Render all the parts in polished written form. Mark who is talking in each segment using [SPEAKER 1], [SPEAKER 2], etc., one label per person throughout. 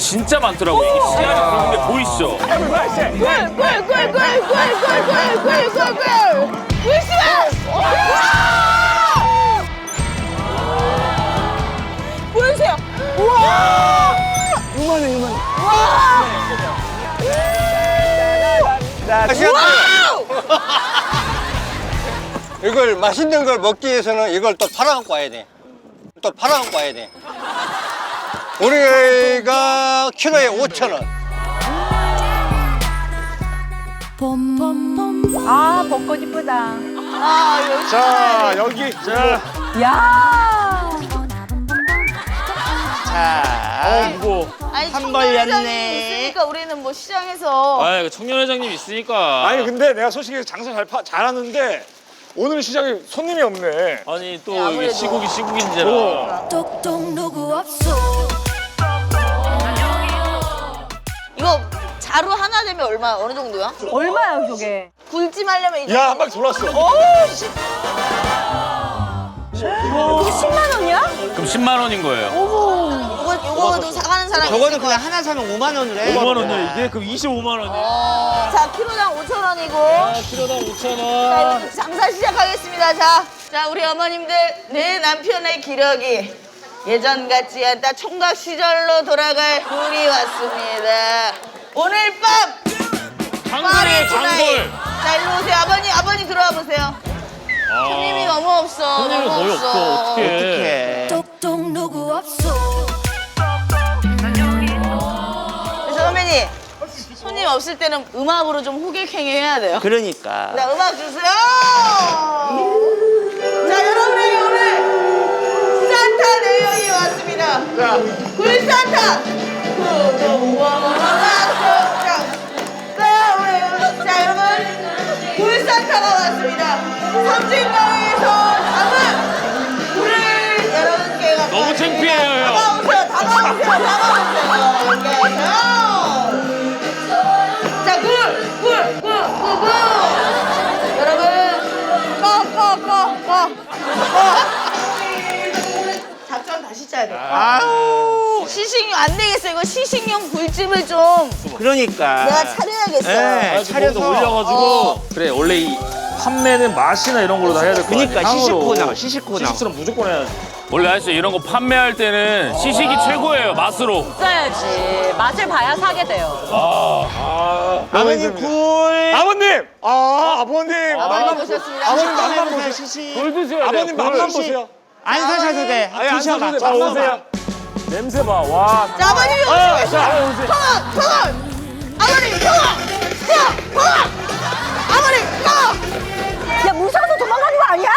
[SPEAKER 1] 진짜 많더라고. 이게 시야를 보는 게 보이시죠?
[SPEAKER 2] 꿀꿀꿀꿀꿀꿀꿀꿀꿀꿀꿀꿀꿀 보여주세요. 우와! 요만해. 와!
[SPEAKER 3] 이걸 맛있는 걸 먹기 위해서는 이걸 또 팔아갖고 와야 돼. 우리가 키로에 5,000원.
[SPEAKER 2] 아, 벚꽃 이쁘다.
[SPEAKER 4] 자, 여기. 자.
[SPEAKER 2] 야!
[SPEAKER 1] 무거워.
[SPEAKER 2] 아니,
[SPEAKER 5] 한
[SPEAKER 2] 청년 회장님
[SPEAKER 5] 벌렸네.
[SPEAKER 2] 있으니까 우리는 뭐 시장에서
[SPEAKER 1] 아, 이거 청년 회장님 있으니까.
[SPEAKER 4] 아니, 근데 내가 솔직히 장사 잘하는데 오늘 시장에 손님이 없네.
[SPEAKER 1] 아니 또
[SPEAKER 2] 네, 아무래도.
[SPEAKER 1] 이게 시국인지라.
[SPEAKER 6] 똑똑 누구 없어.
[SPEAKER 2] 이거 자루 하나 되면 얼마 어느 정도야?
[SPEAKER 7] 얼마야 저게?
[SPEAKER 2] 굴찜 하려면 이제
[SPEAKER 4] 야, 한 바퀴 돌았어.
[SPEAKER 7] 이게 10만 원이야?
[SPEAKER 1] 그럼 10만 원인 거예요.
[SPEAKER 2] 요거도 사가는 사람이
[SPEAKER 5] 저거는
[SPEAKER 2] 있을
[SPEAKER 5] 그냥
[SPEAKER 2] 거야.
[SPEAKER 5] 하나 사면 5만 원을 해.
[SPEAKER 1] 5만 원이야 이게? 그럼 25만 원이야.
[SPEAKER 2] 자, 키로당 5,000원이고.
[SPEAKER 1] 아, 키로당 5,000원.
[SPEAKER 2] 자, 이제 장사 시작하겠습니다. 자, 우리 어머님들, 내 남편의 기력이 예전 같지 않다. 총각 시절로 돌아갈 굴이 왔습니다. 오늘 밤
[SPEAKER 1] 강골이에요, 강골.
[SPEAKER 2] 자, 일로 오세요. 아버님 들어와 보세요. 손님이 너무 없어.
[SPEAKER 1] 손님이
[SPEAKER 2] 너무
[SPEAKER 1] 거의 없어. 어떡해.
[SPEAKER 5] 어떡해.
[SPEAKER 6] 똑똑 누구 없어.
[SPEAKER 2] 그래서 선배님, 손님 없을 때는 음악으로 좀 호객행위 해야 돼요.
[SPEAKER 5] 그러니까.
[SPEAKER 2] 자, 음악 주세요. 자, 여러분에게 오늘 산타 내용이 왔습니다. 굴산타. 자, 여러분, 굴산타가 왔습니다. 섬진강에서 담은 굴을 여러분께 갖다
[SPEAKER 1] 너무 창피해요, 형.
[SPEAKER 2] 다가오세요. 이렇게 자, 굴. 여러분, 꺼. 작전 다시 짜야 돼.
[SPEAKER 5] 아우.
[SPEAKER 2] 시식용 안 되겠어. 이거 시식용 굴찜을 좀
[SPEAKER 5] 그러니까.
[SPEAKER 2] 내가 차려야겠어.
[SPEAKER 5] 네, 차려서
[SPEAKER 1] 올려가지고. 그래 원래 이 판매는 맛이나 이런 걸로 다 해야 될 거 아니야.
[SPEAKER 5] 그러니까 시식코너, 시식코너.
[SPEAKER 1] 시식처럼 무조건 해야지. 원래 아저씨 이런 거 판매할 때는 시식이 최고예요. 맛으로.
[SPEAKER 7] 써야지. 맛을 봐야 사게 돼요.
[SPEAKER 5] 아버님 굴.
[SPEAKER 4] 아버님! 아버님!
[SPEAKER 2] 아버님 오셨습니다.
[SPEAKER 5] 아버님
[SPEAKER 4] 맛만
[SPEAKER 5] 맛만
[SPEAKER 4] 보세요.
[SPEAKER 5] 보세요. 시식.
[SPEAKER 1] 굴 드셔야 돼요.
[SPEAKER 4] 아버님 맛만 보세요.
[SPEAKER 5] 안 사셔도 돼.
[SPEAKER 4] 아니, 안
[SPEAKER 5] 드셔봐.
[SPEAKER 4] 사셔도 돼. 맛보세요.
[SPEAKER 1] 냄새 봐. 와.
[SPEAKER 2] 자, 아버님이 오시고
[SPEAKER 1] 자,
[SPEAKER 2] 통원! 아버님, 통원! 아버님, 통원!
[SPEAKER 7] 야 무서워서 도망가는 거 아니야?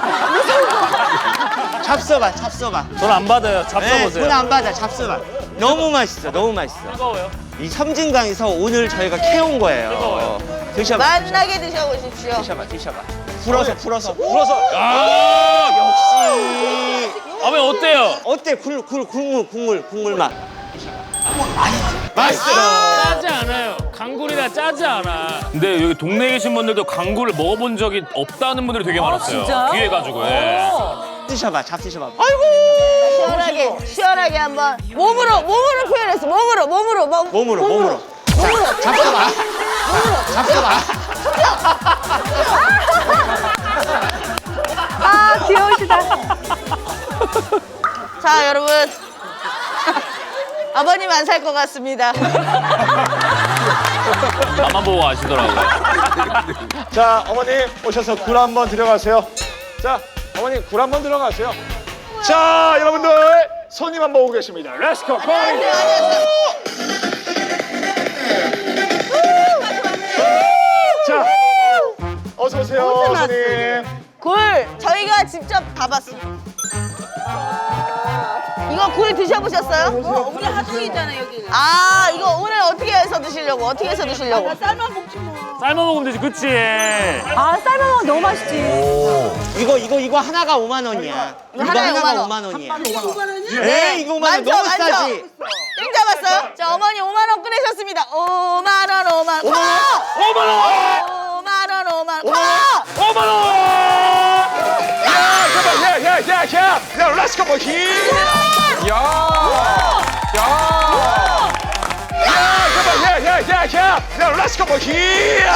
[SPEAKER 5] 잡숴봐.
[SPEAKER 1] 돈 안 받아요.
[SPEAKER 5] 네,
[SPEAKER 1] 잡숴보세요.
[SPEAKER 5] 돈 안 받아. 잡숴봐. 너무 맛있어.
[SPEAKER 1] 뜨거워요.
[SPEAKER 5] 이 섬진강에서 오늘 저희가 캐온 거예요.
[SPEAKER 1] 뜨거워요.
[SPEAKER 5] 드셔봐.
[SPEAKER 2] 만나게 드셔보십시오.
[SPEAKER 5] 드셔봐. 풀어서.
[SPEAKER 1] 아,
[SPEAKER 5] 역시.
[SPEAKER 1] 아버님 어때요?
[SPEAKER 5] 어때? 국물 맛.
[SPEAKER 1] 맛있어. 짜지 않아요. 강굴이라 짜지 않아. 근데 여기 동네에 계신 분들도 강굴을 먹어본 적이 없다는 분들이 되게 많았어요.
[SPEAKER 7] 진짜요?
[SPEAKER 1] 귀해 가지고. 예.
[SPEAKER 5] 드셔봐. 잡수셔봐.
[SPEAKER 2] 시원하게 한번 몸으로 표현했어. 몸으로.
[SPEAKER 5] 자, 잡숴봐.
[SPEAKER 7] 아 귀여우시다.
[SPEAKER 2] 자, 여러분. 아버님 안 살 것 같습니다.
[SPEAKER 1] 나만 보고 아시더라고요.
[SPEAKER 4] 자, 어머님 오셔서 굴 한번 들어가세요. 자, 어머님 굴 한번 들어가세요. 자, 여러분들 손님 한번 오고 계십니다. 렛츠고! 자, 어서 오세요, 손님.
[SPEAKER 2] 굴 저희가 직접 다 봤어요. 이거 굴 드셔보셨어요? 우리 하동이잖아 여기. 아, 이거 오늘 어떻게 해서 드시려고? 삶아 먹지 뭐.
[SPEAKER 1] 삶아 먹으면 되지, 그치?
[SPEAKER 7] 아 삶아 먹으면 너무 맛있지.
[SPEAKER 5] 이거 하나가 5만 원이야. 이거
[SPEAKER 2] 하나에
[SPEAKER 5] 하나가
[SPEAKER 2] 5만
[SPEAKER 5] 5만 원이야.
[SPEAKER 2] 네,
[SPEAKER 5] 이거 5만 원 너무 싸지.
[SPEAKER 2] 땡 잡았어요? 자, 어머니 5만 원 꺼내셨습니다. 5만 원.
[SPEAKER 1] 5만 원!
[SPEAKER 2] 5만 원.
[SPEAKER 1] 5만 원!
[SPEAKER 4] 야, 렛츠고! 야! 야, 렛츠 고 히야.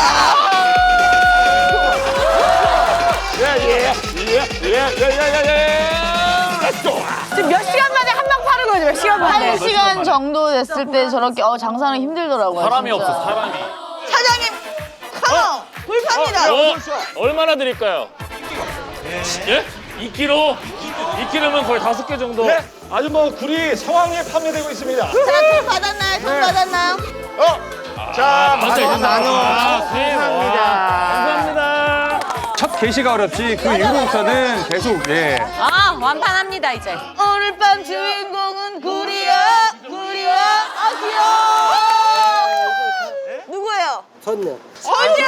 [SPEAKER 4] 렛츠 고.
[SPEAKER 7] 지금 몇 시간 만에 한 방 파는 거죠? 몇 시간 만에?
[SPEAKER 2] 1시간 정도 됐을 때 저렇게 장사는 힘들더라고요.
[SPEAKER 1] 사람이
[SPEAKER 2] 진짜.
[SPEAKER 1] 없어, 사람이.
[SPEAKER 2] 사장님, 컴온! 불팝니다.
[SPEAKER 1] 얼마나 드릴까요? 예? 2kg? 2kg면 거의 5개 정도.
[SPEAKER 4] 네, 아주 뭐 굴이 성황리에 판매되고 있습니다.
[SPEAKER 2] 자, 돈 받았나요? 돈 받았나요?
[SPEAKER 4] 자,
[SPEAKER 5] 만원.
[SPEAKER 1] 감사합니다. 감사합니다.
[SPEAKER 8] 첫 게시가 어렵지 그 이후부터는 계속 예.
[SPEAKER 7] 아, 완판합니다, 이제.
[SPEAKER 2] 오늘 밤 주인공은 구리야, 구리야, 아 귀여워. 누구예요? 선녀. 선녀.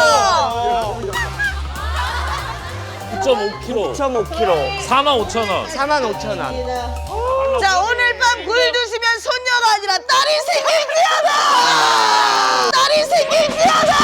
[SPEAKER 1] 9.5kg.
[SPEAKER 5] 9.5kg.
[SPEAKER 1] 45,000원.
[SPEAKER 5] 45,000원.
[SPEAKER 2] 자, 오늘 밤 굴 드시면 손녀가 아니라 딸이 생길지어다. 딸이 생길지어다.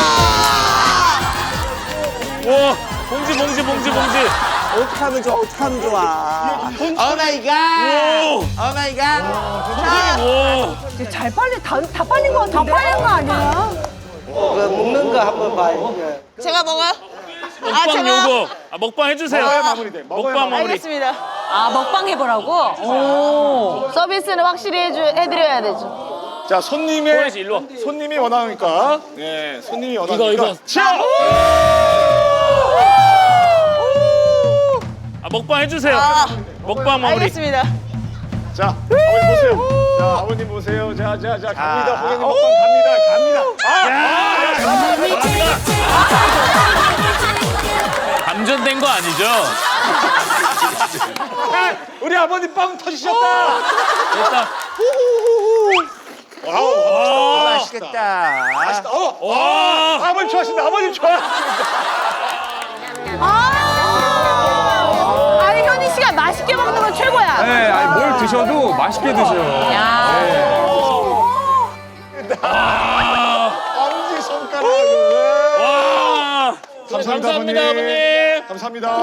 [SPEAKER 1] 와, 봉지.
[SPEAKER 5] 어떻게 하면 좋아? 어떻게 하면 좋아? 오 마이 갓. 오 마이 갓.
[SPEAKER 1] 와.
[SPEAKER 7] 잘 빨리, 다 빨린 거 같은데? 다 빨린 거 아니야?
[SPEAKER 5] 먹는 거 한번 봐요.
[SPEAKER 2] 제가 먹어요?
[SPEAKER 1] 먹방 요거. 먹방 해주세요.
[SPEAKER 4] 먹어야 마무리돼. 먹어야
[SPEAKER 1] 먹방 마무리.
[SPEAKER 2] 알겠습니다.
[SPEAKER 7] 아, 먹방 해보라고? 오.
[SPEAKER 2] 서비스는 확실히 해드려야 되죠.
[SPEAKER 4] 자,
[SPEAKER 1] 호연이 씨, 일로 와.
[SPEAKER 4] 손님이 원하니까. 네, 손님이 원하니까.
[SPEAKER 1] 이거.
[SPEAKER 4] 자,
[SPEAKER 1] 먹방 해주세요. 먹방 마무리.
[SPEAKER 2] 알겠습니다.
[SPEAKER 4] 자, 아버님 보세요. 자, 아버님 보세요. 자, 갑니다. 고객님 먹방 갑니다.
[SPEAKER 1] 감전된 거 아니죠?
[SPEAKER 4] 우리 아버님 빵 터지셨다.
[SPEAKER 1] 됐다.
[SPEAKER 4] 와우.
[SPEAKER 5] 맛있겠다.
[SPEAKER 4] 맛있다.
[SPEAKER 1] 와.
[SPEAKER 4] 아버님 좋아하신다. 아버님 좋아.
[SPEAKER 7] 아니, 현희 씨가 맛있게 먹는 건 최고야.
[SPEAKER 8] 네, 아니 뭘 드셔도 맛있게 드셔요.
[SPEAKER 4] 엄지 손가락을.
[SPEAKER 1] 와. 감사합니다, 아버님.
[SPEAKER 4] 감사합니다.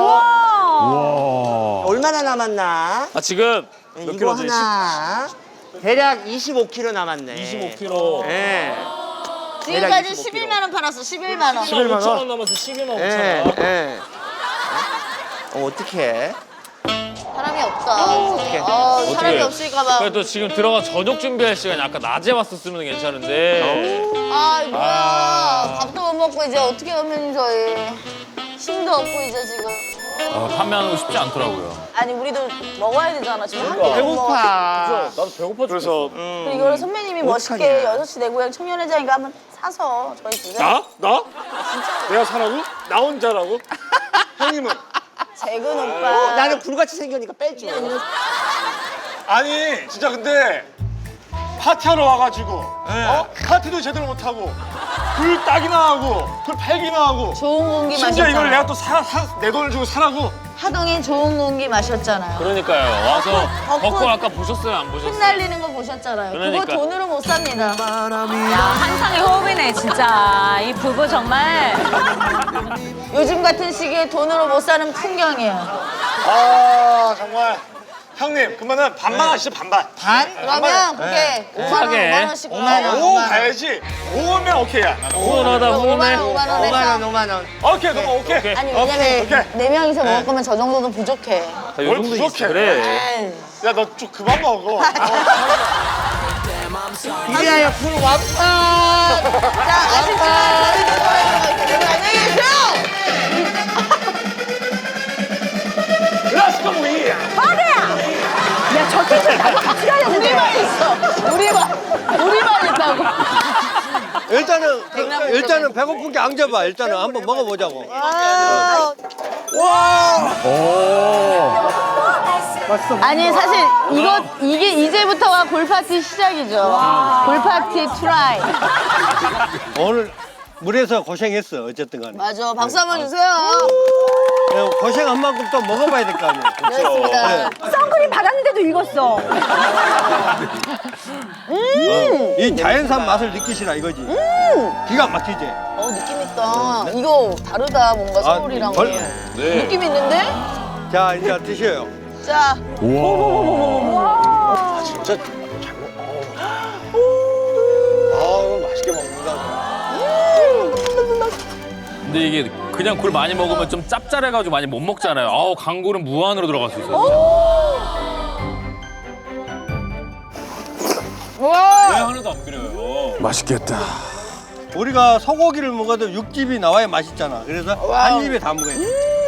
[SPEAKER 5] 얼마나 남았나?
[SPEAKER 1] 지금 몇
[SPEAKER 5] 이거
[SPEAKER 1] 킬로지?
[SPEAKER 5] 하나. 대략 25kg 남았네.
[SPEAKER 1] 25kg.
[SPEAKER 5] 예.
[SPEAKER 2] 지금까지
[SPEAKER 5] 25kg.
[SPEAKER 2] 11만 원 팔았어. 11만 원.
[SPEAKER 4] 11만 원.
[SPEAKER 1] 5,000원 남아서 12만 5,000원.
[SPEAKER 5] 예. 어떡해?
[SPEAKER 2] 사람이 없다. 사람이 없을까 봐.
[SPEAKER 1] 그래도 지금 들어가 저녁 준비할 시간이 아까 낮에 왔었으면 괜찮은데.
[SPEAKER 2] 아, 뭐야. 밥도 못 먹고 이제 어떻게 하면 저희. 힘도 없고 이제 지금.
[SPEAKER 1] 판매하는 거 쉽지 않더라고요.
[SPEAKER 2] 아니, 우리도 먹어야 되잖아. 지금 한 끼도 못 먹어.
[SPEAKER 5] 배고파.
[SPEAKER 1] 나도 배고파.
[SPEAKER 4] 그래서
[SPEAKER 2] 이거를 선배님이 멋있게 6시 내 고향 청년회장인가 한번 사서 저희 주세요.
[SPEAKER 4] 나? 내가 사라고? 나 혼자라고? 형님은?
[SPEAKER 2] 재근 오빠.
[SPEAKER 5] 나는 불같이 생기니까 빼줘.
[SPEAKER 4] 아니 진짜 근데 파티하러 와가지고 파티도 제대로 못하고 굴 따기나 하고 굴 팔기나 하고
[SPEAKER 2] 좋은 공기
[SPEAKER 4] 심지어 이걸
[SPEAKER 2] 마셨잖아요.
[SPEAKER 4] 내가 또 내 돈을 주고 사라고.
[SPEAKER 2] 하동에 좋은 공기 마셨잖아요.
[SPEAKER 1] 그러니까요. 와서
[SPEAKER 2] 벚꽃.
[SPEAKER 1] 벚꽃 아까 보셨어요? 안 보셨어요?
[SPEAKER 2] 흩날리는 거 보셨잖아요.
[SPEAKER 1] 그러니까.
[SPEAKER 2] 그거 돈으로 못 삽니다.
[SPEAKER 7] 한상의 호흡이네, 진짜. 이 부부 정말.
[SPEAKER 2] 요즘 같은 시기에 돈으로 못 사는 풍경이에요.
[SPEAKER 4] 아 정말 형님 그러면은 반반 하시죠 반반.
[SPEAKER 2] 반? 그러면 그게 5만 원,
[SPEAKER 1] 싸게.
[SPEAKER 2] 5만 원씩
[SPEAKER 5] 5만 원.
[SPEAKER 4] 5 가야지. 5면 오케이야.
[SPEAKER 1] 후원하다
[SPEAKER 2] 5만
[SPEAKER 1] 후원해.
[SPEAKER 2] 원, 5만 원
[SPEAKER 5] 5만
[SPEAKER 2] 해서.
[SPEAKER 5] 원, 5만 원.
[SPEAKER 4] 오케이 너무 오케이.
[SPEAKER 2] 아니, 왜냐면
[SPEAKER 4] 오케이.
[SPEAKER 2] 4명이서 먹을 거면 저 정도는 부족해.
[SPEAKER 1] 요
[SPEAKER 4] 뭘
[SPEAKER 1] 정도
[SPEAKER 4] 부족해.
[SPEAKER 1] 있어. 그래.
[SPEAKER 2] 에이.
[SPEAKER 4] 야 너 좀 그만 먹어.
[SPEAKER 5] 이리야, 굴 완판.
[SPEAKER 2] 자, 아쉽지만 안녕히 계세요!
[SPEAKER 4] 렛츠고 위.
[SPEAKER 7] 야, 저 텐션 나도 같이 가야 되는데.
[SPEAKER 2] 우리만 있어. 우리만 있다고.
[SPEAKER 3] 일단은 배고픈 게 안 잡아. 일단은 한번 먹어보자고.
[SPEAKER 2] 아니, 사실 이게 이제부터가 골파티 시작이죠. 골파티 트라이.
[SPEAKER 3] 오늘 물에서 고생했어. 어쨌든 간에.
[SPEAKER 2] 맞아. 박수 한번 주세요.
[SPEAKER 3] 고생한 만큼 또 먹어봐야 될 거 아니에요.
[SPEAKER 2] 그렇습니다.
[SPEAKER 7] 선크림 받았는데도 익었어.
[SPEAKER 3] 이 자연산 맛을 느끼시라 이거지. 기가 막히지.
[SPEAKER 2] 느낌 있다. 이거 다르다. 뭔가 서울이랑.
[SPEAKER 3] 네.
[SPEAKER 2] 느낌 있는데?
[SPEAKER 3] 자, 이제 드셔요.
[SPEAKER 2] 자.
[SPEAKER 4] 진짜 잘 먹. 아 이거 맛있게 먹는다.
[SPEAKER 1] 근데 이게 그냥 굴 많이 먹으면 좀 짭짤해가지고 많이 못 먹잖아요. 아우 강굴은 무한으로 들어갈 수 있어요. 왜 하나도 안 비려요?
[SPEAKER 8] 맛있겠다.
[SPEAKER 3] 우리가 소고기를 먹어도 육즙이 나와야 맛있잖아. 그래서 한 입에 다 먹어야 돼.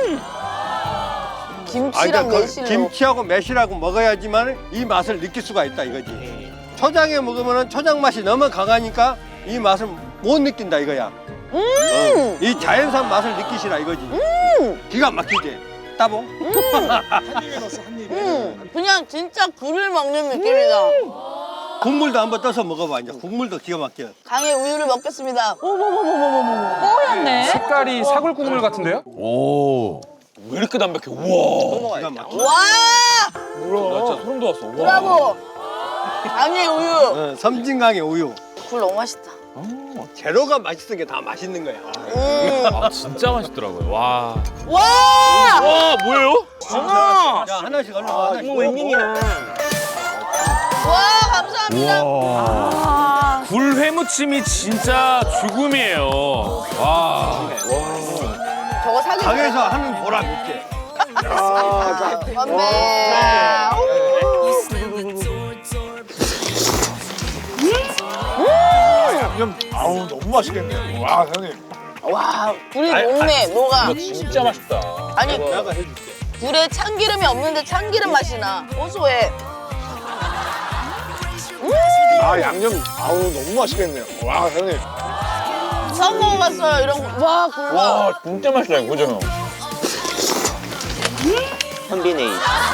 [SPEAKER 2] 김치랑 매실로.
[SPEAKER 3] 김치하고 매실하고 먹어야지만 이 맛을 느낄 수가 있다 이거지. 초장에 먹으면 초장 맛이 너무 강하니까 이 맛을 못 느낀다 이거야. 이 자연산 맛을 느끼시라 이거지. 기가 막히지. 따봉.
[SPEAKER 4] 한 입에 넣었어 한 입에.
[SPEAKER 2] 그냥 진짜 굴을 먹는 느낌이다.
[SPEAKER 3] 국물도 한번 떠서 먹어봐. 이제 국물도 기가 막혀.
[SPEAKER 2] 강의 우유를 먹겠습니다.
[SPEAKER 7] 뽀얗네.
[SPEAKER 8] 색깔이 사골 국물 같은데요?
[SPEAKER 1] 오. 왜 이렇게 담백해? 우와.
[SPEAKER 3] 기가 막혀.
[SPEAKER 2] 와!
[SPEAKER 1] 나 진짜 소름 돋았어. 우와.
[SPEAKER 2] 브라보! 강의 우유.
[SPEAKER 3] 섬진강의 우유.
[SPEAKER 2] 굴 너무 맛있다.
[SPEAKER 3] 재료가 맛있는 게 다 맛있는 거야.
[SPEAKER 1] 아 진짜 맛있더라고요. 와.
[SPEAKER 2] 와!
[SPEAKER 1] 와 뭐예요?
[SPEAKER 3] 야 하나씩 얼른 와. 하나씩.
[SPEAKER 5] 웬일이야.
[SPEAKER 2] 와, 감사합니다.
[SPEAKER 1] 굴 회무침이 진짜 죽음이에요. 와.
[SPEAKER 2] 저거 사기.
[SPEAKER 3] 강에서 하는 보람 있지.
[SPEAKER 2] 건배.
[SPEAKER 4] 양념 아우 너무 맛있겠네요. 와 형님.
[SPEAKER 2] 와, 굴이 녹네, 녹아.
[SPEAKER 1] 진짜 맛있다.
[SPEAKER 2] 아니,
[SPEAKER 3] 내가 해줄게.
[SPEAKER 2] 굴에 참기름이 없는데 참기름 맛이 나. 고소해.
[SPEAKER 4] 아 양념 아우 너무 맛있겠네요. 와 형님.
[SPEAKER 2] 처음 먹어봤어요, 이런 거. 와, 굴 봐.
[SPEAKER 1] 와 진짜 맛있다 이거 그죠?
[SPEAKER 5] 컨비네이.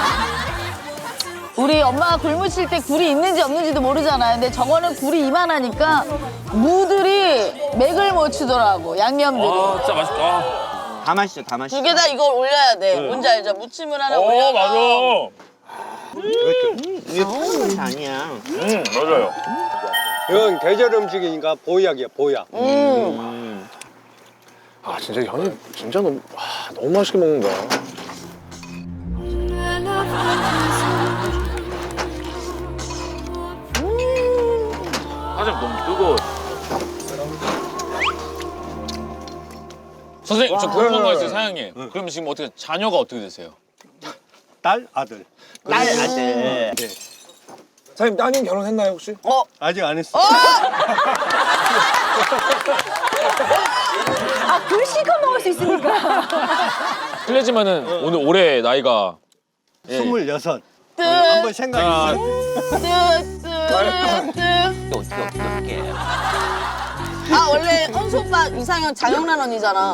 [SPEAKER 2] 우리 엄마가 굴 무칠 때 굴이 있는지 없는지도 모르잖아요. 근데 저거는 굴이 이만하니까 무들이 맥을 못 추더라고, 양념들이.
[SPEAKER 1] 아 진짜 맛있다.
[SPEAKER 5] 다 맛있어, 다 맛있어.
[SPEAKER 2] 두 개 다 이걸 올려야 돼. 뭔지 알죠? 무침을 하나 올려서.
[SPEAKER 1] 맞아.
[SPEAKER 5] 이게 푸는 맛이 아니야.
[SPEAKER 1] 맞아요.
[SPEAKER 3] 이건 계절 음식이니까 보약이야 보약.
[SPEAKER 4] 아 진짜 형님 진짜 너무 너무 맛있게 먹는다.
[SPEAKER 1] 사장님 너무 뜨거워. 선생님 저 궁금한 거 있어요 사장님. 그럼 지금 어떻게 자녀가 어떻게 되세요?
[SPEAKER 3] 딸 아들.
[SPEAKER 5] 딸 아들.
[SPEAKER 4] 사장님 따님 결혼했나요 혹시?
[SPEAKER 3] 아직 안 했어.
[SPEAKER 7] 굴 시커 먹을 수 있으니까.
[SPEAKER 1] 실례지만은 오늘 올해 나이가
[SPEAKER 3] 26. 한번 생각해.
[SPEAKER 5] 어떻게.
[SPEAKER 2] 아, 원래 헌수 오빠 이상형 장영란 언니잖아.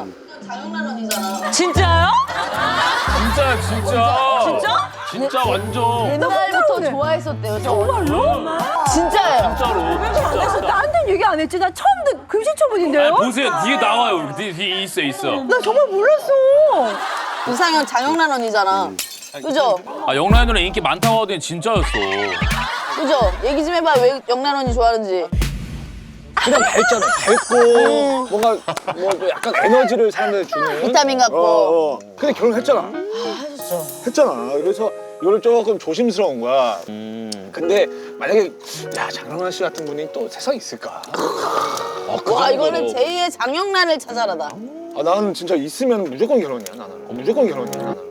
[SPEAKER 7] 진짜요?
[SPEAKER 1] 진짜. 진짜 완전.
[SPEAKER 2] 옛날부터 좋아했었대요. 정말로? 진짜예요.
[SPEAKER 1] 진짜로.
[SPEAKER 7] 그래서 나한테는 얘기 안 했지. 나 처음 듣 금시초문인데요?
[SPEAKER 1] 보세요 뒤에 나와요. 뒤에 있어.
[SPEAKER 7] 나 정말 몰랐어.
[SPEAKER 2] 이상형 장영란 언니잖아. 그죠?
[SPEAKER 1] 아 영란 누나 인기 많다고 하더니 진짜였어.
[SPEAKER 2] 그죠? 얘기 좀 해봐. 왜 영란 언니 좋아하는지.
[SPEAKER 4] 그냥 밝잖아. 밝고 뭔가 뭐 약간 에너지를 사람들한테 주는.
[SPEAKER 2] 비타민 같고.
[SPEAKER 4] 근데 결혼했잖아. 했잖아. 그래서 이거를 조금 조심스러운 거야. 근데 만약에 야 장영란 씨 같은 분이 또 세상에 있을까?
[SPEAKER 2] 와, 이거는 제2의 장영란을 찾아라다.
[SPEAKER 4] 아 나는 진짜 있으면 무조건 결혼이야 나는. 무조건 결혼이야 나는.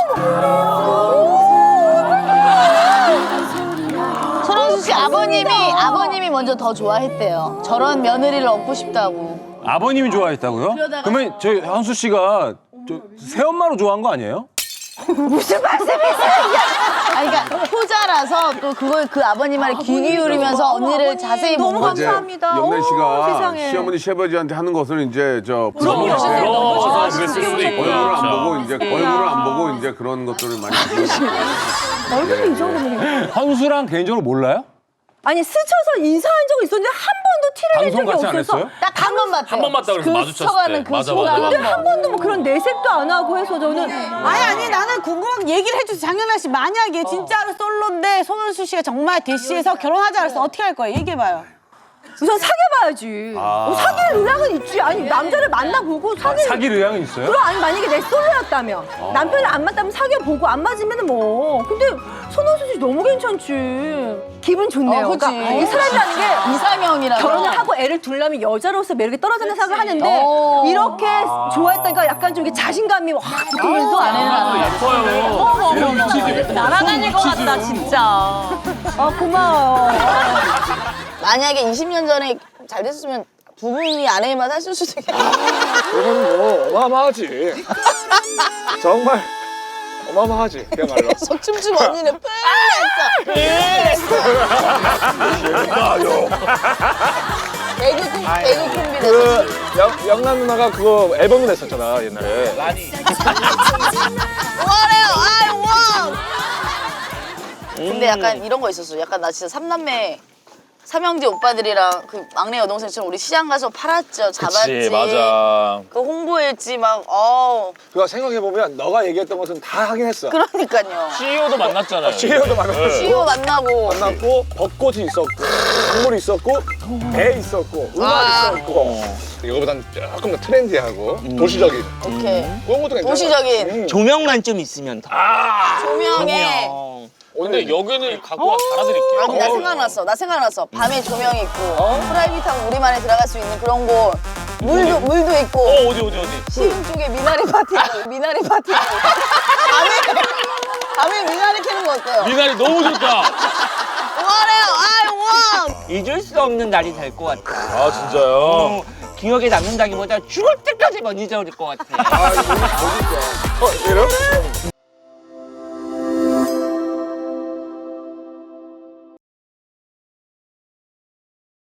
[SPEAKER 2] 손원수 씨 아버님이 먼저 더 좋아했대요. 저런 며느리를 얻고 싶다고.
[SPEAKER 8] 아버님이 좋아했다고요?
[SPEAKER 2] 그러다가-
[SPEAKER 8] 그러면 저희 한수 씨가 새엄마로 좋아한 거 아니에요?
[SPEAKER 7] 무슨 말씀이세요?
[SPEAKER 2] 아니, 그러니까 효자라서 또 그걸 그 아버님 말에 귀 기울이면서 언니를 자세히
[SPEAKER 7] 너무
[SPEAKER 2] 보고.
[SPEAKER 7] 감사합니다.
[SPEAKER 8] 영란 씨가
[SPEAKER 7] 세상에.
[SPEAKER 8] 시어머니 시아버지한테 하는 것을 이제
[SPEAKER 1] 부러워서 그랬을 수도 있고요.
[SPEAKER 8] 얼굴을 안
[SPEAKER 1] 진짜.
[SPEAKER 8] 보고 이제 얼굴을 안 보고 이제 그런 것들을 많이 하시는
[SPEAKER 7] 얼굴이 이 정도면.
[SPEAKER 8] 한수랑 개인적으로 몰라요?
[SPEAKER 7] 아니 스쳐서 인사한 적은 있었는데 한 번도 티를 낸
[SPEAKER 8] 방송
[SPEAKER 7] 적이
[SPEAKER 8] 같이 안
[SPEAKER 7] 없어서.
[SPEAKER 8] 했어요?
[SPEAKER 2] 딱 한 번 봤대요.
[SPEAKER 1] 한 번 봤다 그래서
[SPEAKER 2] 그
[SPEAKER 1] 마주쳤을
[SPEAKER 2] 스쳐가는
[SPEAKER 1] 때.
[SPEAKER 2] 그
[SPEAKER 1] 맞아,
[SPEAKER 2] 순간
[SPEAKER 1] 맞아.
[SPEAKER 2] 한 번.
[SPEAKER 7] 한 번도 뭐 그런 내색도 안 하고 해서 저는
[SPEAKER 9] 아니 나는 궁금한 얘기를 해주세요. 장연아 씨 만약에 진짜로 솔로인데 손원수 씨가 정말 대시해서 결혼하자 그래서 어떻게 할 거예요? 얘기해봐요.
[SPEAKER 7] 우선 사귀어봐야지. 사귈 의향은 있지. 아니 남자를 만나보고
[SPEAKER 8] 사귈 의향은 있어요?
[SPEAKER 7] 그럼 아니 만약에 내 솔로였다면 남편이 안 맞다면 사귀어보고 안 맞으면 뭐. 근데 손원수 씨 너무 괜찮지. 기분 좋네요.
[SPEAKER 2] 그치.
[SPEAKER 7] 그러니까 이 사람이라는 게
[SPEAKER 2] 이상형이라.
[SPEAKER 7] 결혼을 하고 애를 둘려면 여자로서 매력이 떨어진다 생각을 하는데 이렇게 좋아했다니까 약간 좀 이게 자신감이 확 붙으면서
[SPEAKER 1] 예뻐요.
[SPEAKER 9] 날아다닐 것 같다 진짜.
[SPEAKER 7] 아 고마워요.
[SPEAKER 2] 만약에 20년 전에 잘 됐으면 두 분이 아내만 하실 수도 있겠다.
[SPEAKER 4] 이건 뭐 어마어마하지. 정말 어마어마하지. 그야말로.
[SPEAKER 2] 속 춤추고 언니는 뿔냈어. 개그 콤비 됐어.
[SPEAKER 4] 그 영남 누나가 그거 앨범을 냈었잖아 옛날에.
[SPEAKER 2] 원해요, I want. 근데 약간 이런 거 있었어. 약간 나 진짜 삼형제 오빠들이랑 그 막내 여동생처럼 우리 시장 가서 팔았죠, 잡았지.
[SPEAKER 4] 맞아.
[SPEAKER 2] 그 홍보했지 막.
[SPEAKER 4] 그거 생각해 보면 너가 얘기했던 것은 다 하긴 했어.
[SPEAKER 2] 그러니까요.
[SPEAKER 1] CEO도 만났잖아요.
[SPEAKER 4] CEO도 만났고.
[SPEAKER 2] CEO 만나고.
[SPEAKER 4] 만났고 벚꽃이 있었고 강물이 있었고 배 있었고 음악 있었고 이거보단 조금 더 트렌디하고 도시적인
[SPEAKER 2] 오케이.
[SPEAKER 4] 그런 것도 괜찮아.
[SPEAKER 2] 도시적인
[SPEAKER 5] 조명만 좀 있으면 더.
[SPEAKER 2] 조명에.
[SPEAKER 1] 근데 여기는 갖고 와 달아드릴게요.
[SPEAKER 2] 아니 나 생각났어. 밤에 조명이 있고 프라이빗하고 우리만에 들어갈 수 있는 그런 곳. 물도 있고.
[SPEAKER 1] 어디?
[SPEAKER 2] 시흥 쪽에 미나리 파티 있고. 밤에 미나리 캐는 거 어때요?
[SPEAKER 1] 미나리 너무 좋다.
[SPEAKER 2] 원해요, I want.
[SPEAKER 5] 잊을 수 없는 날이 될 것 같아.
[SPEAKER 1] 아 진짜요?
[SPEAKER 5] 기억에 남는다기보다 죽을 때까지 못 잊어버릴 것 같아.
[SPEAKER 4] 이런?